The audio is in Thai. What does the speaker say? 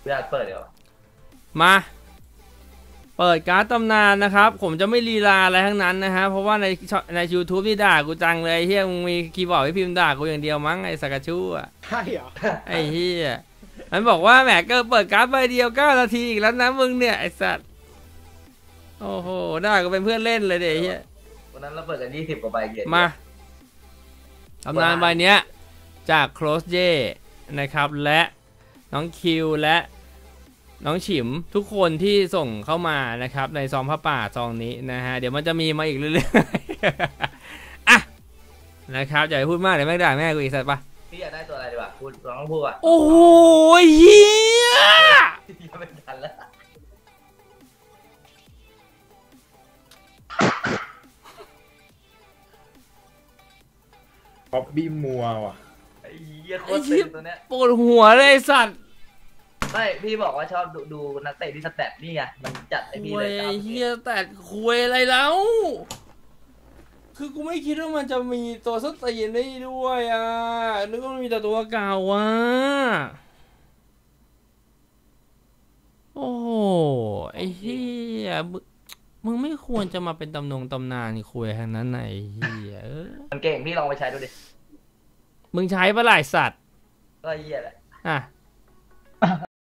อยากเปิดเดี๋ยวมาเปิดการ์ดตำนานนะครับผมจะไม่ลีลาอะไรทั้งนั้นนะฮะเพราะว่าใน YouTube นี่ด่ากูจังเลยเฮียมึงมีคีย์บอร์ดให้พิมพ์ด่ากูอย่างเดียวมั้งไอ้สักกะชู่อะใช่เหรอไอ้เฮียมันบอกว่าแหมก็เปิดการ์ดใบเดียว9 นาทีอีกแล้วนะมึงเนี่ยไอ้สัตว์โอ้โหด่ากูเป็นเพื่อนเล่นเลยเดี๋ยวเฮียวันนั้นเราเปิดกัน20 กว่าใบเกียร์มาตำนานใบเนี้ยจากโคลสเจนะครับและน้องคิวและน้องฉิมทุกคนที่ส่งเข้ามานะครับในซองผ้าป่าซองนี้นะฮะเดี๋ยวมันจะมีมาอีกเรื่อยๆ อ่ะนะครับอย่าไปพูดมากเดี๋ยวแม่ด่าแม่กูอีกสัตว์ปะพี่อยากได้ตัวอะไรดีวะพูดร้องพูดอ่ะโอ้โหเฮียไม่ทันแล้วป๊อบบี้มัวว่ะไอ้เหี้ยโคตรเต็มตัวเนี้ยปวดหัวเลยสัตว์ไม่พี่บอกว่าชอบดูนักเตะที่สแตทนี่ไงมันจัดไอ้พี่เลยเฮียแต่คุยอะไรแล้วคือกูไม่คิดว่ามันจะมีตัวสตีนได้ด้วยอ่ะนึกว่ามันมีแต่ตัวเก่าอ่ะโอ้โหไอ้เฮียมึงไม่ควรจะมาเป็นตำนานคุยทางนั้นไหนเฮียมันเก่งพี่ลองไปใช้ดูดิมึงใช้ปะหลายสัตว์ก็เหี้ยแหละอ่ะ